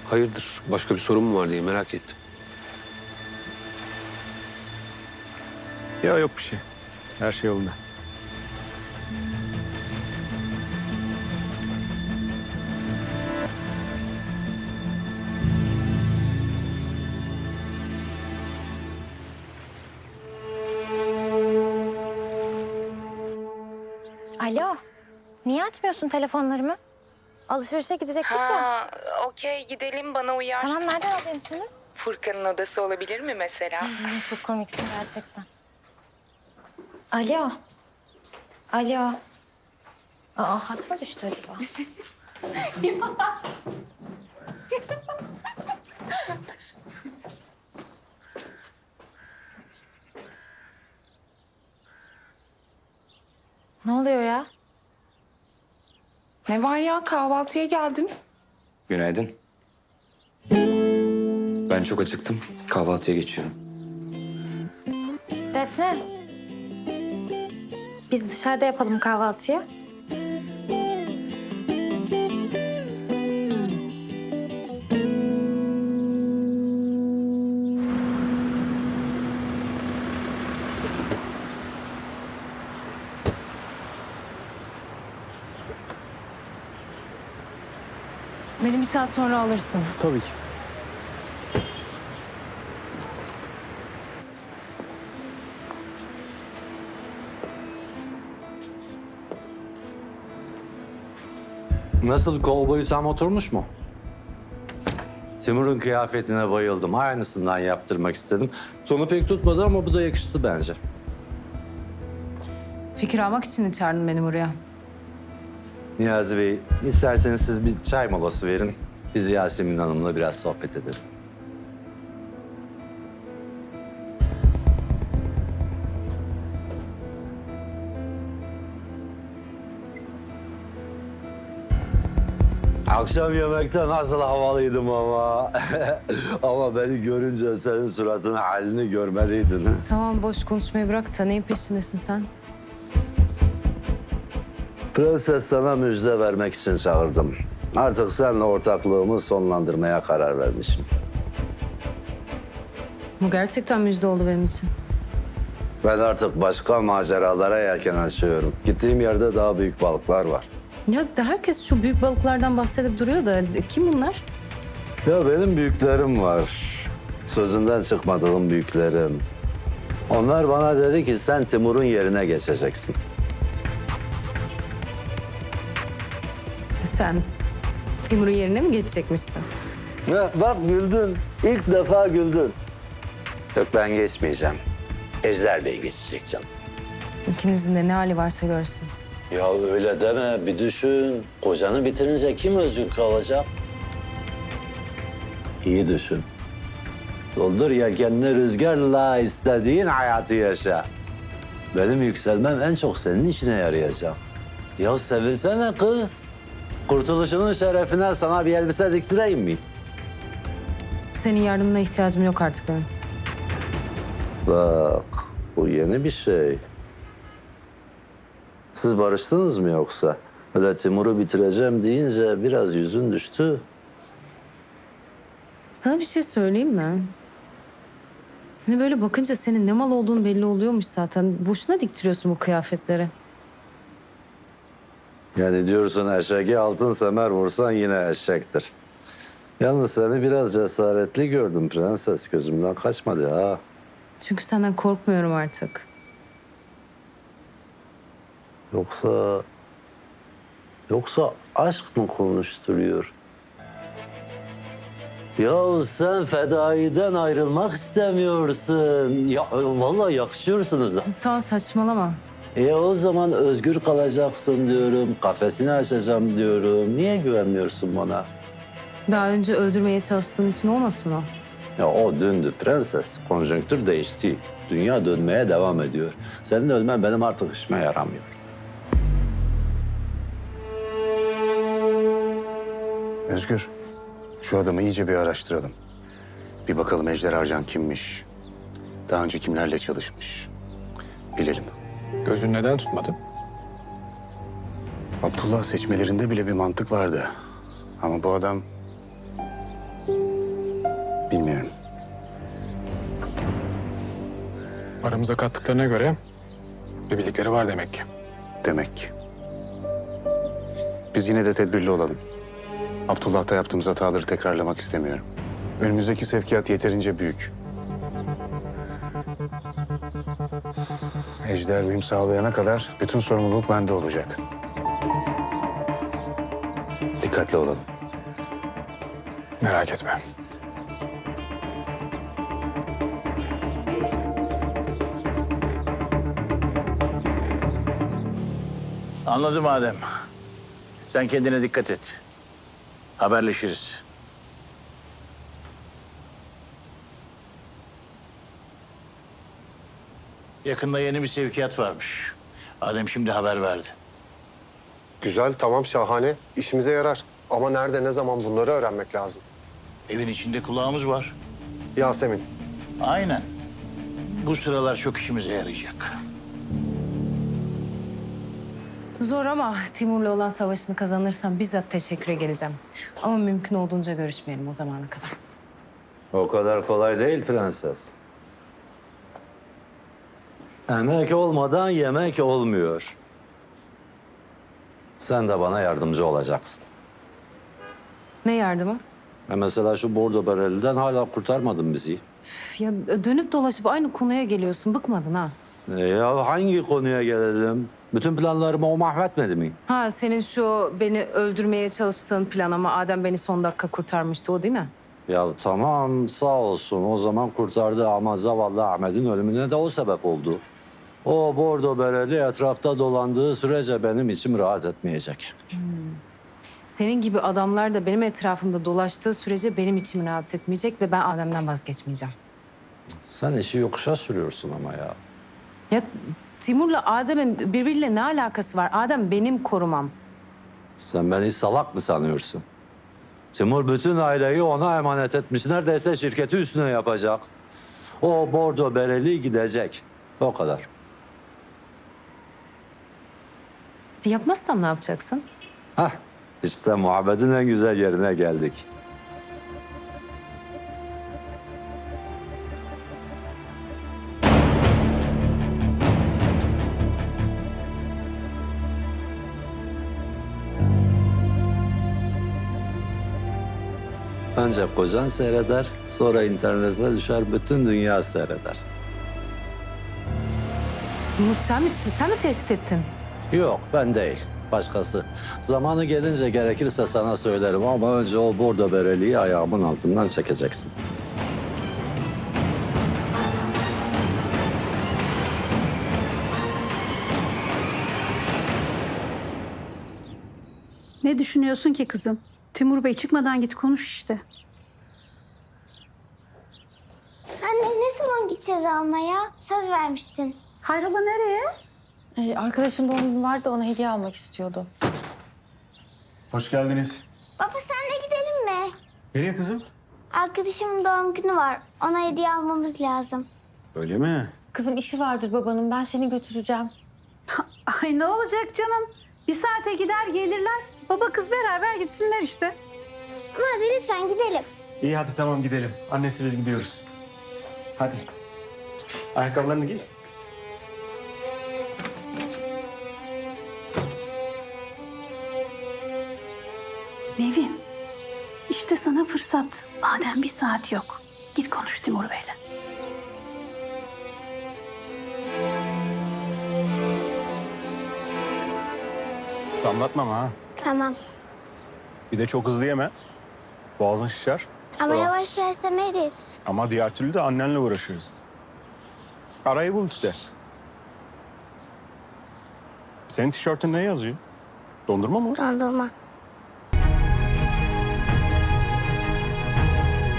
Hayırdır? Başka bir sorun mu var diye merak ettim. Ya yok bir şey. Her şey yolunda. Alo. Niye açmıyorsun telefonlarımı? Alışverişe gidecektik ya. Ha, okey gidelim bana uyar. Tamam, nereden alayım seni? Furkan'ın odası olabilir mi mesela? Çok komiksin gerçekten. Alo. Alo. Aa, hat mı düştü acaba? Ne oluyor ya? Ne var ya, kahvaltıya geldim. Günaydın. Ben çok acıktım. Kahvaltıya geçiyorum. Defne. Biz dışarıda yapalım kahvaltıyı. Beni bir saat sonra alırsın. Tabii ki. Nasıl, kovboyu tam oturmuş mu? Timur'un kıyafetine bayıldım. Aynısından yaptırmak istedim. Sonu pek tutmadı ama bu da yakıştı bence. Fikir almak için mi çağırdın beni buraya? Niyazi Bey, isterseniz siz bir çay molası verin. Biz Yasemin Hanım'la biraz sohbet edelim. Akşam yemekte nasıl havalıydım ama. Ama beni görünce senin suratını, halini görmeliydin. Tamam, boş konuşmayı bırak da neyin peşindesin sen? Prenses, sana müjde vermek için çağırdım. Artık seninle ortaklığımı sonlandırmaya karar vermişim. Bu gerçekten müjde oldu benim için. Ben artık başka maceralara yelken açıyorum. Gittiğim yerde daha büyük balıklar var. Ya herkes şu büyük balıklardan bahsedip duruyor da kim bunlar? Ya benim büyüklerim var. Sözünden çıkmadığım büyüklerim. Onlar bana dedi ki sen Timur'un yerine geçeceksin. Sen Timur'un yerine mi geçecekmişsin? Ya bak güldün. İlk defa güldün. Yok, ben geçmeyeceğim. Ejder Bey geçecek canım. İkinizin de ne hali varsa görsün. Ya öyle deme, bir düşün. Kocanı bitirince kim özgür kalacak? İyi düşün. Doldur yelkenini rüzgarla, istediğin hayatı yaşa. Benim yükselmem en çok senin işine yarayacak. Ya sevinsene kız. Kurtuluşunun şerefine sana bir elbise diktireyim mi? Senin yardımına ihtiyacım yok artık benim. Bak, bu yeni bir şey. Siz barıştınız mı yoksa? Öyle Timur'u bitireceğim deyince biraz yüzün düştü. Sana bir şey söyleyeyim mi? Hani böyle bakınca senin ne mal olduğun belli oluyormuş zaten. Boşuna diktiriyorsun bu kıyafetleri. Yani diyorsun eşeğe altın semer vursan yine eşektir. Yalnız seni biraz cesaretli gördüm prenses. Gözümden kaçmadı ha. Çünkü senden korkmuyorum artık. Yoksa aşk mı konuşturuyor? Ya sen fedaiden ayrılmak istemiyorsun. Ya vallahi yakışıyorsunuz da. Tamam, saçmalama. O zaman özgür kalacaksın diyorum. Kafesini açacağım diyorum. Niye güvenmiyorsun bana? Daha önce öldürmeye çalıştığın için olmasın o. Ya o dündü prenses. Konjonktür değişti. Dünya dönmeye devam ediyor. Senin ölmen benim artık işime yaramıyor. Özgür, şu adamı iyice bir araştıralım. Bir bakalım Ejder Arcan kimmiş? Daha önce kimlerle çalışmış? Bilelim. Gözün neden tutmadı? Abdullah seçmelerinde bile bir mantık vardı. Ama bu adam Aramıza kattıklarına göre bir bildikleri var demek ki. Demek ki. Biz yine de tedbirli olalım. Abdullah'ta yaptığımız hataları tekrarlamak istemiyorum. Önümüzdeki sevkiyat yeterince büyük. Ejder uyum sağlayana kadar bütün sorumluluk bende olacak. Dikkatli olalım. Merak etme. Anladım Adem. Sen kendine dikkat et. Haberleşiriz. Yakında yeni bir sevkiyat varmış. Adem şimdi haber verdi. Güzel, tamam, şahane. İşimize yarar. Ama nerede, ne zaman bunları öğrenmek lazım. Evin içinde kulağımız var. Yasemin, Aynen. Bu sıralar çok işimize yarayacak. Zor ama Timur'la olan savaşını kazanırsam bizzat teşekküre geleceğim. Ama mümkün olduğunca görüşmeyelim o zamana kadar. O kadar kolay değil prenses. Emek olmadan yemek olmuyor. Sen de bana yardımcı olacaksın. Ne yardımı? Mesela şu bordo bereliden hala kurtarmadın bizi. Üf, ya dönüp dolaşıp aynı konuya geliyorsun. Bıkmadın ha? Ya hangi konuya gelelim? Bütün planlarımı o mahvetmedi mi? Ha senin şu beni öldürmeye çalıştığın plan ama Adem beni son dakika kurtarmıştı o değil mi? Ya tamam sağ olsun o zaman kurtardı ama zavallı Ahmet'in ölümüne de o sebep oldu. O bordo bereli etrafta dolandığı sürece benim içim rahat etmeyecek. Senin gibi adamlar da benim etrafımda dolaştığı sürece benim içim rahat etmeyecek ve ben Adem'den vazgeçmeyeceğim. Sen işi yokuşa sürüyorsun ama ya. Ya Timur'la Adem'in birbiriyle ne alakası var? Adem benim korumam. Sen beni salak mı sanıyorsun? Timur bütün aileyi ona emanet etmiş. Neredeyse şirketi üstüne yapacak. O bordo bereli gidecek. O kadar. Yapmazsam ne yapacaksın? Hah, işte muhabbetin en güzel yerine geldik. Önce kocan seyreder, sonra internete düşer, bütün dünya seyreder. Bunu sen mi tehdit ettin? Yok, ben değil. Başkası. Zamanı gelince gerekirse sana söylerim ama önce o bordo bereliği ayağımın altından çekeceksin. Ne düşünüyorsun ki kızım? Timur Bey çıkmadan git konuş işte. Anne ne zaman gideceğiz almaya? Söz vermiştin. Hayrola nereye? Arkadaşın doğum günü vardı, ona hediye almak istiyordu. Hoş geldiniz. Baba senle gidelim mi? Nereye kızım? Arkadaşımın doğum günü var. Ona hediye almamız lazım. Öyle mi? Kızım işi vardır babanın, ben seni götüreceğim. Ay ne olacak canım? Bir saate gider gelirler. Baba kız beraber gitsinler işte. Ama hadi lütfen gidelim. İyi hadi tamam gidelim. Annesi biz gidiyoruz. Hadi. Ayakkabılarını giy. Nevin, işte sana fırsat. Madem bir saat yok. Git konuş Timur Bey'le. Damlatma ama ha. Tamam. Bir de çok hızlı yeme. Boğazın şişer. Ama Sonra- yavaş yersem erir. Ama diğer türlü de annenle uğraşıyoruz. Arayı bul işte. Senin tişörtün ne yazıyor? Dondurma mı? Dondurma.